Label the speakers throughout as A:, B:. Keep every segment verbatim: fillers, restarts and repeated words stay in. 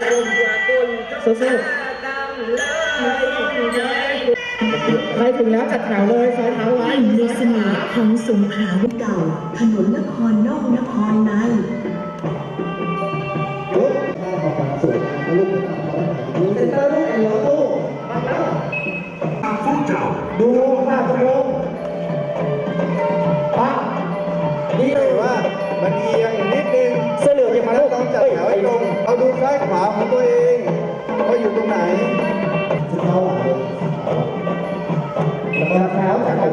A: สู้ๆใครถึงแล้วจัดแถวเลยซอยเท้าไว้
B: ในเสน่ห์ของสงขลาเก่าถนนนครนอกนครใน
C: ลูกข้าวของสวยลูกลูกเซ็นเตอร์ลูกเหรอลูก
D: พวกเจ้า
C: ดูหน้าตรงป้านี่เลยว่ามันเอียงนิดนึง
A: เสื้อเหลืองยังมาลูก
C: ต้องจัดแถวให้ตรงเอาดูซ้ายขวาของตัวเองว่าอยู่ตรงไหนจะเข้าหลังเลยแล้วแถวจากไหน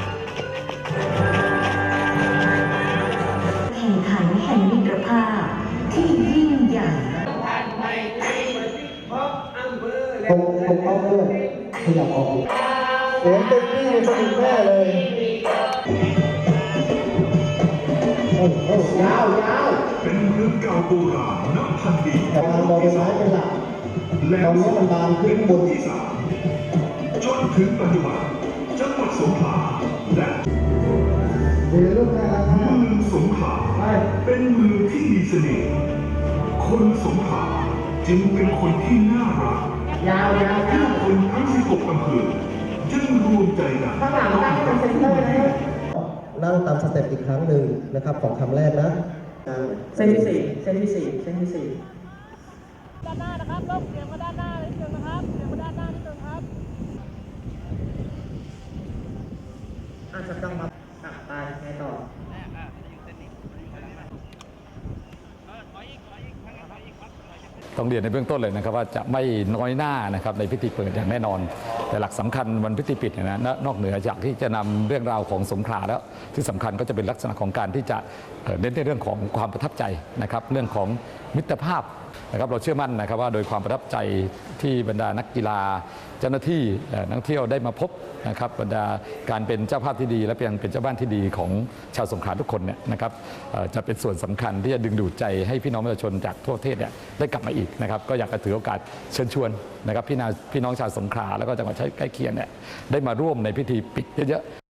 B: แข่งขันแห่งมิตรภาพที่ยิ่งใหญ่
C: ผมผมเอาเพื่อนขยับออกเสียงเต็มที่สนุกแน่เลยโอ้โหยาวยาว
D: เป็นเมืองเก่าโบราณนับพันปี
C: แต่ทางบริษัทเป็นหลักตอนนี้มันบานขึ้นบน
D: ที่สามจนถึงปัจจุบันจังหวัดสงขลาและ
C: เดี๋ยวลูกนะ
D: เมืองสงขลาเป็นเมืองที่มีเสน่ห์คนสงขลาจึงเป็นคนที่น่ารัก
A: ยาวยาว
D: ที่คนทั้งสิบหกอำเภอจึงรวมใจกัน
A: ข้างหลังตั้งเป็นเซ็นเตอร์นะ
C: นั่งตามสเต็ปอีกครั้งหนึ่งนะครับของคำแรกนะ
A: เส้นที่สี่เส้นที่สี่เส้นที่สี่
E: ด้านหน้านะครับลบเสียงมาด้านหน้านิดนึงนะครับเสียงมาด้านหน้านิดนึงครับ
A: อาจจะต้องมาตัดไปไงต่อ
F: ต้องเรียนในเบื้องต้นเลยนะครับว่าจะไม่น้อยหน้านะครับในพิธีเปิดอย่างแน่นอนแต่หลักสำคัญวันพิธีปิดเนี่ยนะนอกเหนือจากที่จะนำเรื่องราวของสงขลาแล้วที่สำคัญก็จะเป็นลักษณะของการที่จะเน้นในเรื่องของความประทับใจนะครับเรื่องของมิตรภาพนะครับเราเชื่อมั่นนะครับว่าโดยความประทับใจที่บรรดานักกีฬาเจ้าหน้าที่นักท่องเที่ยวได้มาพบนะครับบรรดาการเป็นเจ้าภาพที่ดีและเป็นเป็นเจ้าบ้านที่ดีของชาวสงขลาทุกคนเนี่ยนะครับจะเป็นส่วนสำคัญที่จะดึงดูดใจให้พี่น้องประชาชนจากทั่วประเทศเนี่ยได้กลับมาอีกนะครับก็อยากจะถือโอกาสเชิญชวนนะครับพี่น้องชาวสงขลาแล้วก็จังหวัดใกล้เคียงเนี่ยได้มาร่วมในพิธีปิดเยอะๆ